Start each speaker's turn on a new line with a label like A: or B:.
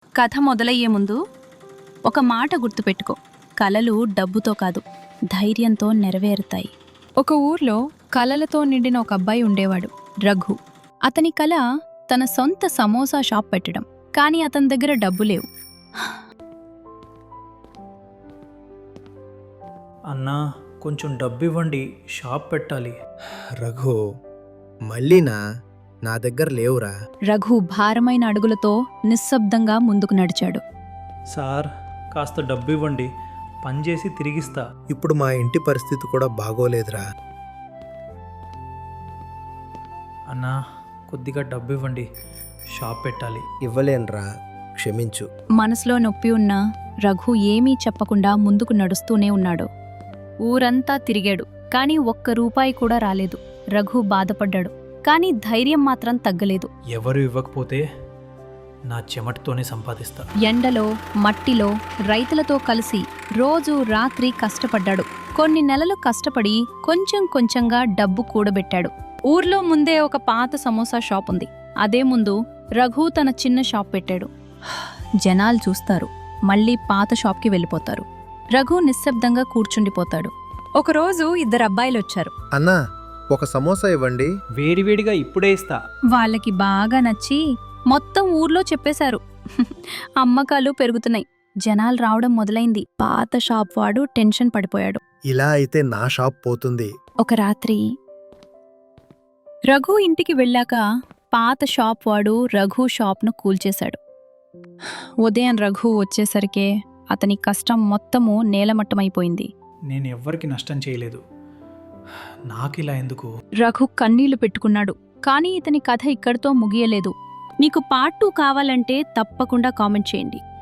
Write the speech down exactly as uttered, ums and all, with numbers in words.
A: కథ మొదలయ్యే ముందు ఒక మాట గుర్తుపెట్టుకో. కలలు డబ్బుతో కాదు, ధైర్యంతో నెరవేరుతాయి. ఒక ఊర్లో కలలతో నిండిన ఒక అబ్బాయి ఉండేవాడు, రఘు. అతని కల తన సొంత సమోసా షాప్ పెట్టడం. కానీ అతని దగ్గర డబ్బు లేవు.
B: అన్నా, కొంచెం డబ్బు ఇవ్వండి, షాప్ పెట్టాలి.
C: రఘు, మళ్ళీనా? నా దగ్గర లేవురా.
A: రఘు భారమైన అడుగులతో నిశ్శబ్దంగా ముందుకు నడిచాడు.
B: సార్, కాస్త డబ్బు ఇవ్వండి, పనిచేసి తిరిగిస్తా.
C: ఇప్పుడు మా ఇంటి పరిస్థితి కూడా బాగోలేదురా.
B: అన్నా, కొద్దిగా డబ్బు ఇవ్వండి, షాప్ పెట్టాలి.
C: ఇవ్వలేనురా, క్షమించు.
A: మనసులో నొప్పి ఉన్నా రఘు ఏమీ చెప్పకుండా ముందుకు నడుస్తూనే ఉన్నాడు. ఊరంతా తిరిగాడు, కానీ ఒక్క రూపాయి కూడా రాలేదు. రఘు బాధపడ్డాడు, కానీ ధైర్యం మాత్రం తగ్గలేదు.
B: ఎవరు ఇవ్వకపోతే నా చెమటతోనే సంపాదిస్తా.
A: ఎండలో, మట్టిలో రైతులతో కలిసి రోజు రాత్రి కష్టపడ్డాడు. కొన్ని నెలలు కష్టపడి కొంచెం కొంచెంగా డబ్బు కూడబెట్టాడు. ఊర్లో ముందే ఒక పాత సమోసా షాప్ ఉంది. అదే ముందు రఘు తన చిన్న షాప్ పెట్టాడు. జనాలు చూస్తారు, మళ్ళీ పాత షాప్కి వెళ్ళిపోతారు. రఘు నిశ్శబ్దంగా కూర్చుండిపోతాడు. ఒకరోజు ఇద్దరు అబ్బాయిలొచ్చారు.
C: అన్నా, ఒక సమోసా ఇవ్వండి.
B: వేడివేడిగా ఇప్పుడే ఇస్తా.
A: వాళ్ళకి బాగా నచ్చి మొత్తం ఊర్లో చెప్పేశారు. అమ్మకాలు పెరుగుతున్నాయి, జనాలు రావడం మొదలైంది. పాత షాప్ వాడు టెన్షన్ పడిపోయాడు.
C: ఇలా అయితే నా షాప్ పోతుంది.
A: ఒక రాత్రి రఘు ఇంటికి వెళ్ళాక పాత షాప్ వాడు రఘు షాప్ను కూల్చేశాడు. ఉదయం రఘు వచ్చేసరికే అతని కష్టం మొత్తము నేలమట్టమైపోయింది.
B: నేను ఎవ్వరికి నష్టం చేయలేదు, నాకిలా ఎందుకు?
A: రఘు కన్నీళ్లు పెట్టుకున్నాడు. కానీ ఇతని కథ ఇక్కడితో ముగియలేదు. మీకు పార్ట్ టూ కావాలంటే తప్పకుండా కామెంట్ చేయండి.